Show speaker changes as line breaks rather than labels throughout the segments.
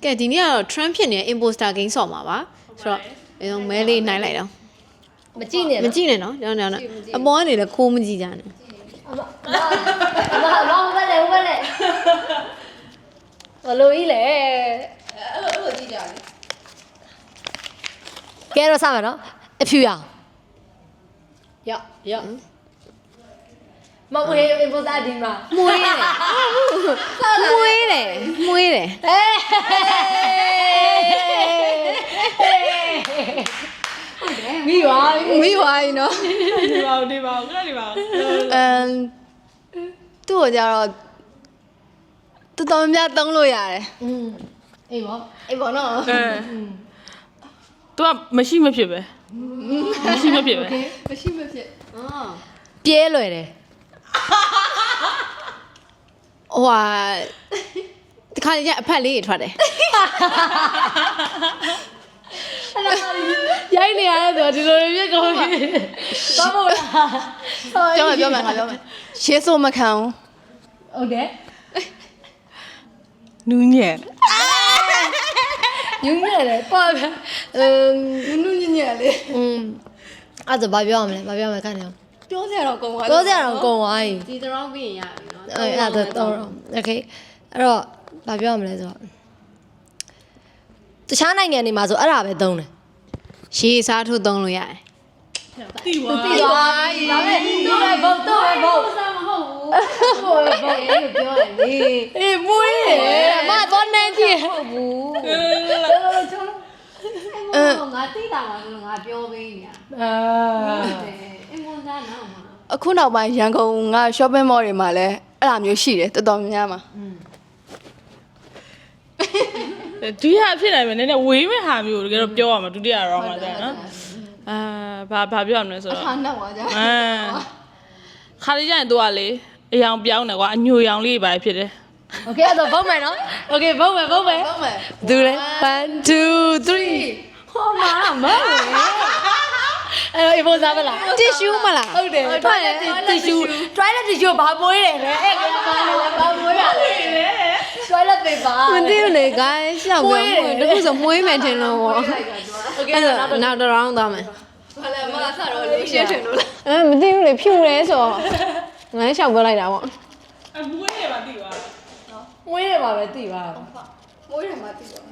ကဲဒီနေ့ကတော့ Trump ဖြစ်နေတဲ့ imposter game ဆော့မှာပါဆိုတော့မဲလေးနိုင်လိုက်တော့
မကြည့်နဲ့
မကြည့်နဲ့နော်ကျွန်တော်အပေါ်ကနေလည်းခိုးမကြည့်ကြနဲ့
အမဘယ်လဲဘလို့ကြီးလဲ
အဲ့လိုကြည့်ကြလေ
ကဲတော့စမယ်နော်အဖြူရအောင်ရမဝေးဘုရားဒီမှာ
မွေးတယ်
မိပါ
နော်
ဒီပါခဏဒီပါ
သူ့ကိုကြတော့တော်တော်များသုံးလို့ရတယ်
အေးပေါ့နော်
သူကမရှိမဖြစ်ပဲမရှိမဖြစ်ပဲ
ပြဲလွယ်တယ်
ဟိုဟာဒီခါကျအဖက်လေးထွက်တယ်
ရိုက်နေရတယ်ဆိုတော့ဒီလိုပြည့်ကုန်ပြီဘာမို့
လားပြောမယ်ရှေးဆိုမခံဘူး
ဟုတ်တယ်
နူးညံ့
တယ်ပေါ့ဗျာ
နူးညံ့လေး
အဲ့ဒါဘာပြောရမလဲခဏနေ
ပြောစရာတော့ကုန်သွား
ပြီ
ဒီတရောင်းပြီးရင်ရပြီနော်
အဲ့ဒါတော့โอเคအဲ့တော့ဘာပြောရမလဲဆိုတော့တခြားနိုင်ငံတွေမှာဆိုအဲ့ဒါပဲသုံးတယ်
ရှေးစားထုတ်သုံးလို့ရတယ်
တီဝါ
ဒါပဲဘုတ်စားမဟုတ်ဘူးဘုတ်ပြောရလေ
အေးမွေးတယ်
မတော့နေကြည့်
ဟုတ်ဘူးငါတိတာမှာဆိုတော့ငါပြောပေးနေရအင်မွန်သားနော်အခုနောက်ပိုင်းရန်ကုန်က shopping mall တွေမှာလည်းအဲ့လိုမျိုးရှိတယ်တော်တော်များမှာ
ဒီဟာဖြစ်နိုင်မယ်နည်းနည်းဝေးမဲ့ဟာမျိုးတကယ်တော့ပြောရမှာဒုတိယ round မှာကြာနော်ဘာပြောရမလဲဆိုတော့
အခါနောက်ပါကြာ
ခါလေးကျရင်သူကလေအယောင်ပြောင်းတယ်ကွာအညိုရောင်လေးပဲဖြစ်တယ်
โอเคအဲ့တော့ဘုတ်မယ်နော်โอเคဘုတ်မယ်
သူလေ1 2 3
ဟောမအဲ့ဘောစားမလား
tissue မလား
ဟုတ်တယ် toilet tissue ဘာမွေးတယ်လဲအဲ့ကဘာမွေးရလဲ toilet paper
မသိဘူးလေ guys ရှောက်ပြောတခုဆိုမွေးမယ်ထင်လို့ပေါ့အဲ့တော့နောက်တစ် round သွားမယ်
ဘာလဲမဆတော့လို့ရှင်းထင်လို့
လားမသိဘူးလေဖြူတယ်ဆိုတော့ငါရှောက်ပြောလိုက်တာပေါ့
မွေးရပါသိပါ
နော်မွေးရပါပဲသိပါ
မွေးရမှာသိပါ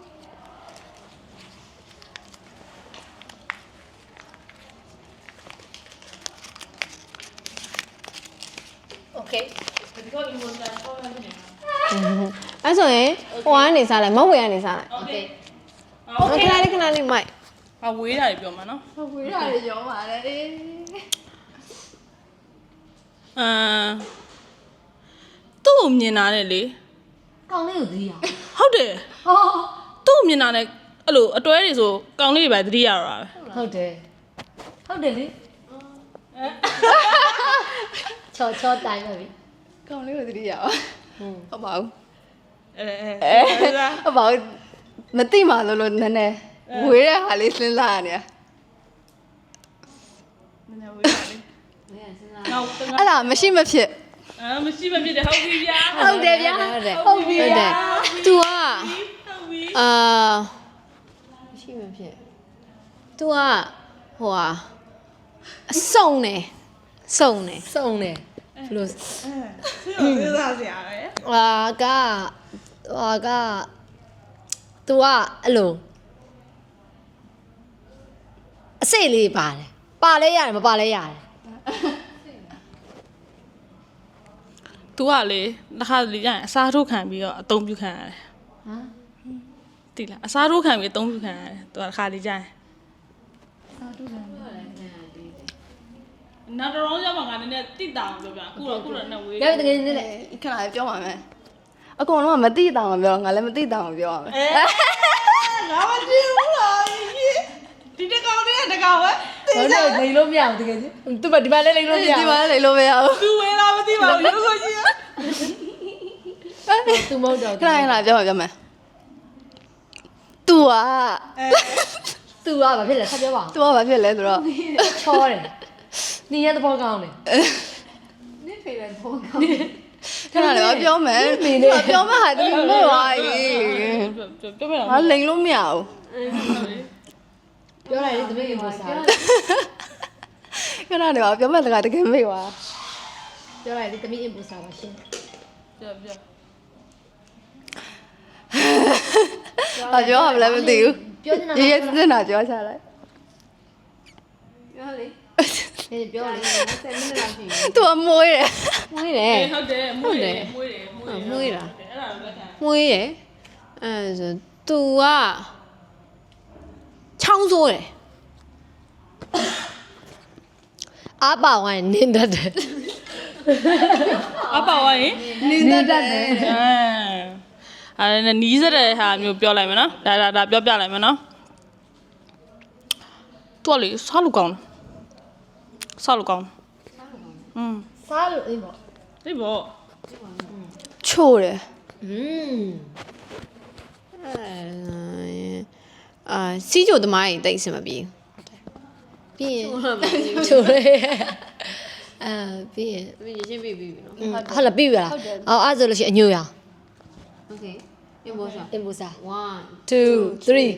โอเค
ဒီကောဒီမွန်တန်ပေါ်လာနေ
အဲ့ဆိုရင်ဟိုကနေစားလိုက်မဟုတ်ဝေကနေစားလိုက်
โอเค
ခဏလေးမိုက်
ဝေးတာတွေပြောမှာနော်
ဝေးတာတွေရောပါတယ်
သူ့ကိုမြင်တာနဲ့လေ
ကောင်းလေးကိုသတိရ
ဟုတ်တယ်သူ့ကိုမြင်တာနဲ့အဲ့လိုအတွဲတွေဆိုကောင်းလေးတွေပဲသတိရတာပဲ
ဟုတ်တယ်လေချောတိုင်းပါပြီ
ကောင်းလေးကိုသတိရအောင်ဟုတ်ပါဘူး
ဟုတ်
ပါဘူးမသိမှလို့နည်းနည်းဝေးတဲ့ဟာလေးစဉ်းစားရနေ
နည်းနည်းဝေးတာလေး
နောက်အဲ့ဒါမရှိမဖြစ်
မရှိမဖြစ်တယ်ဟုတ်ပြီဗျာ
ဟုတ်တယ်ဗျာ
ဟုတ်ပြီतू อ่ะမရှိမဖြစ် तू อ่ะဟိုอ่ะစုံတယ်
ဘယ်လို
စဉ်းစားစရာပဲ
ကतू อ่ะအဲ့လိုအစိတ်လေးပါတယ်ပါလဲရတယ်မပါလဲရတယ်
तू ကလေတစ်ခါလေရရင်အစားထိုးခံပြီးတော့အသုံးပြုခံရတယ်တိလားအစားထိုးခံပြီးအသုံးပြုခံရတယ် तू တစ်ခါလေကြရင်အစားထိုးခံနောက်တော့ရောက်မှာငါနည်းနည်းတိတာအောင်ပြောပြအခုတော့နဲ့ဝေး
တကယ်နေလေ
ခဏလေးပြောပါမယ်အကုန်လုံးကမသိတာမှပြောငါလည်းမသိတာမှပြောရမယ်
ငါမသိဘူးလားဒီတကောင်လေးကတကောင်ပဲ
ဟုတ်တယ်လိန်လို့မရဘူးတကယ်ကြီးသူ့ဒီမှာလည်းလိန်လို့မရဘူး
ဒီမှာလည်းလိန်လို့မရဘူး
သူဝေးလားမသိပါဘူးရုပ်ဆိုကြီး
သူမဟုတ်တော့
ခဏပြောမယ် तू อ่ะ
तू อ่ะဘာဖြစ်လဲဆက်ပြောပါဦး
तू อ่ะဘာဖြစ်လဲဆိုတော့
ချောတယ်နေရတဲ့ဘောကောင်းတယ်
နေဖေးတဲ့ဘောကောင်းခဏလေးပြောမယ်ပြောမယ်ဟာတမီးမေ့သွားပြီ
ပြောပြတော့
ဟာလိန်လို့မရဘူး
ပြောလိုက်လေသမီးရေပေါ်စား
ခဏလေးပြောမယ်တကယ်မေ့သွား
ပြောလိုက်လေသမီးရေပေါ်စားပါရှင်
ပြောပြော
ဟာပြောရမလဲမသိဘူး
ပြောနေတာ
ရေးရေးစနာပြောချလိုက်
ပြောလေ
ပြောလေ
10မိနစ်လောက်ရှိပြီ
သူအမွေးတယ်
မွေးတယ်
ဟုတ်တယ်မွေးတယ်
မွေးတာ
အဲ့ဒါကိုလက်ခံ
မွေးတယ်အဲဆို तू ကချောင်းဆိုးတယ်
အားပါဝိုင်းနင်းတတ်တယ်
အပါဝိုင်း
နင်းတတ်တယ်
အဲနီးစတဲ့ဟာမျိုးပြောလိုက်မယ်နော်ဒါပြောပြလိုက်မယ်နော်တော်လေစားလို့ကောင်းစားလို့ကောင်းอืม
စားလို့အေးပေါ့
ဒီဘော
ချို့တယ်
စီးကြိုသမားကြီးတိတ်အဆင်မပြေပြီးရင်
ချိုးလေပြီးရင်
သမီးရချင်းပြပြီနော်
ဟုတ်လားပြီးပြီလားအော်အဲ့ဆိုလို့ရှိရင်အညိုရအောင်
โอเคပြန်ပေါ်ဆောင်
အင်ပူစား
1
2 3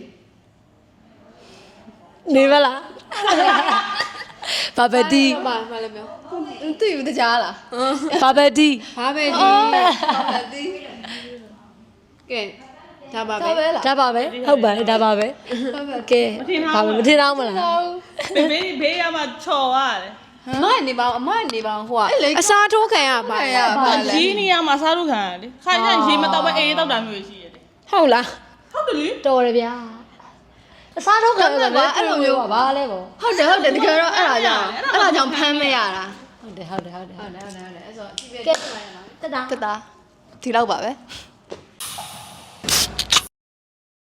နေပါလားဘာပဲဒီ
ပါမလည်းပြော
သိဘူးတကြားလား
ဘာပဲဒီ
ဘာပဲဒီ
သိ
ကဲဒါပါ
ဒါ
ပဲ
ပဲလား
ဒါပါပဲဟုတ်ပါတယ်ဒါပါပဲကဲဘာပဲမထင်တော့မလား
ဘေးရမှာချော်ရတယ်
အမနေပါအမနေပါဟိုက
အစားထိုးခံရပါ
ရပါလေ
ရီးနေရမှာစားလို့ခံရတယ်ခါကျရင်ရေမတော့ပဲအေးတောက်တာမျိုးရှိရတယ်
ဟုတ်လား
ဟုတ်တယ်လေ
တော်တယ်ဗျာအစားတော့ခံရတယ်အဲ့လိုမျိုးပါဘာလဲပေါ့
ဟုတ်တယ်တကယ်တော့အဲ့ဒါကြောင့်ဖမ်းမရတာ
ဟုတ်တယ်ဟုတ်တယ်ဟုတ်တယ်
ဟုတ်တယ်အဲ့ဆို
ကဲတက်တာ
တက်တာဒီလောက်ပါပဲ